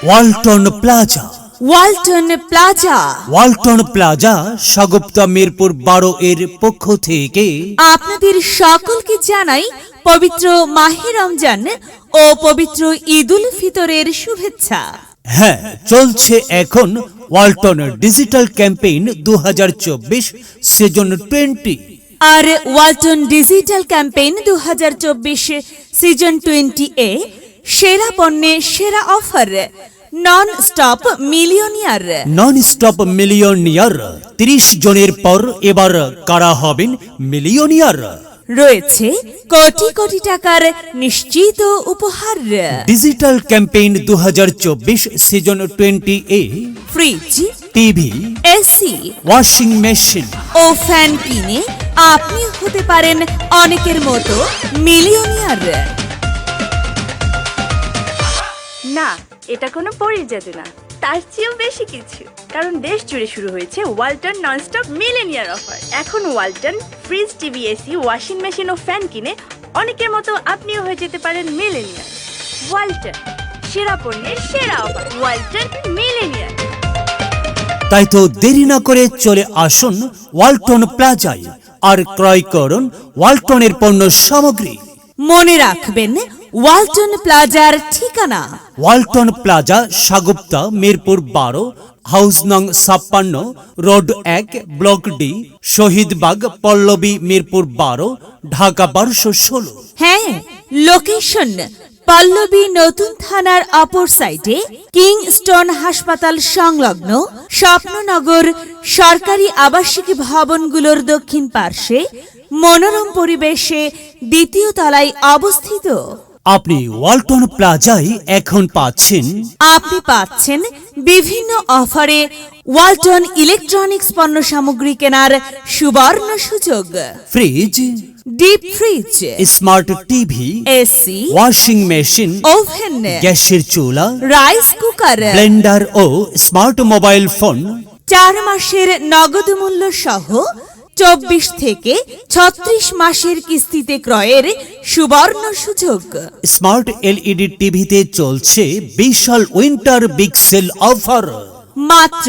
Walton plaza. Walton plaza. Walton plaza Shagufta Mirpur 12 এর পক্ষ থেকে আপনাদের সকলকে জানাই পবিত্র মাহে রমজান ও পবিত্র ঈদুল ফিতরের শুভেচ্ছা। হ্যাঁ, চলছে এখন ওয়ালটন ডিজিটাল ক্যাম্পেইন 2024 সিজন 20। আর ওয়ালটন ডিজিটাল ক্যাম্পেইন 2024 সিজন 20 এ সেরা পণ্যে সেরা offer, non stop millionaire. Non stop millionaire 30 জনের পর এবার কারা হবেন মিলিয়নিয়ার। রয়েছে কোটি কোটি টাকার নিশ্চিত উপহার। ডিজিটাল ক্যাম্পেইন 2024 সিজন 20 এ fridge, TV, AC, washing machine ও ফ্যান কিনে আপনি হতে পারেন অনেকের মতো মিলিয়নিয়ার। না, এটা কোনো পরীর জাদু না, তার চেয়েও বেশি কিছু। কারণ দেশ জুড়ে শুরু হয়েছে ওয়ালটন ননস্টপ মিলেনিয়ার অফার। এখন Walton fridge, TV, AC, washing machine ও ফ্যান কিনে অনেকের মতো আপনিও হয়ে যেতে পারেন মিলেনিয়ার। ওয়ালটন, সেরা পণ্যের সেরা অফার। ওয়ালটন মিলেনিয়ার। তাই তো দেরি না করে চলে আসুন ওয়ালটন প্লাজায় আর ক্রয় করুন ওয়ালটনের পণ্য সামগ্রী। মনে রাখবেন ওয়ালটন প্লাজার ঠিকানা Walton plaza, Shagufta Mirpur 12, house নং 56, road 1, block D, Shahidbagh, Pallabi Mirpur 12, Dhaka 1216। হ্যাঁ, লোকেশন পল্লবী নতুন থানার অপর সাইডে কিংস্টন হাসপাতাল সংলগ্ন স্বপ্ননগর সরকারি আবাসিক ভবনগুলোর দক্ষিণ পার্শ্বে মনোরম পরিবেশে দ্বিতীয় তলায় অবস্থিত। আপনি ওয়ালটন প্লাজায় এখন পাচ্ছেন বিভিন্ন অফারে ওয়ালটন ইলেকট্রনিক্স পণ্য সামগ্রী কেনার সুবর্ণ সুযোগ। Fridge, deep fridge, smart TV, AC, washing machine, oven, গ্যাসের চুলা, রাইস কুকার, ব্লেন্ডার ও স্মার্ট মোবাইল ফোন 4 মাসের নগদ মূল্য সহ 24 থেকে 36 মাসের কিস্তিতে ক্রয়ের সুবর্ণ সুযোগ। স্মার্ট এলইডি টিভিতে চলছে বিশাল উইন্টার বিগ সেল অফার। মাত্র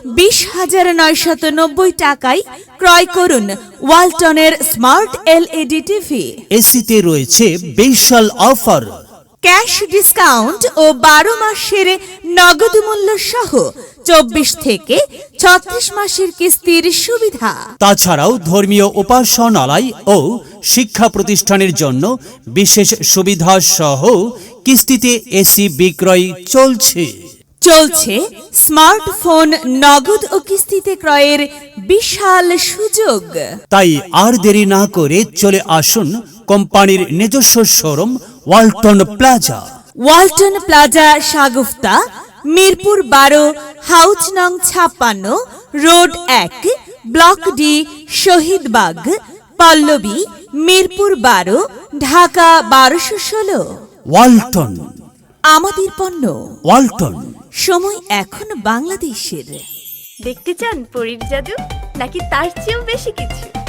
20,990 টাকায় ক্রয় করুন ওয়ালটনের স্মার্ট এলইডি টিভি। এসিতে রয়েছে বিশাল অফার। ক্যাশ ডিসকাউন্ট ও 12 মাসের নগদ মূল্য সহ 24 থেকে 36 মাসের কিস্তির সুবিধা। তাছাড়াও ধর্মীয় উপাসনালয় ও শিক্ষা প্রতিষ্ঠানের জন্য বিশেষ সুবিধা সহ কিস্তিতে এসি বিক্রয় চলছে। স্মার্টফোন নগদ ও কিস্তিতে ক্রয়ের বিশাল সুযোগ। তাই আর দেরি না করে চলে আসুন কোম্পানির নিজস্ব showroom Walton plaza. Walton plaza, Sagufta Mirpur 12, house নং 56, road 1, block D, Shahidbagh, Pallabi Mirpur 12, Dhaka 1216। Walton, আমাদের পণ্য ওয়ালটন। সময় এখন বাংলাদেশের। দেখতে চান পরীর জাদু, নাকি তার চেয়েও বেশি কিছু?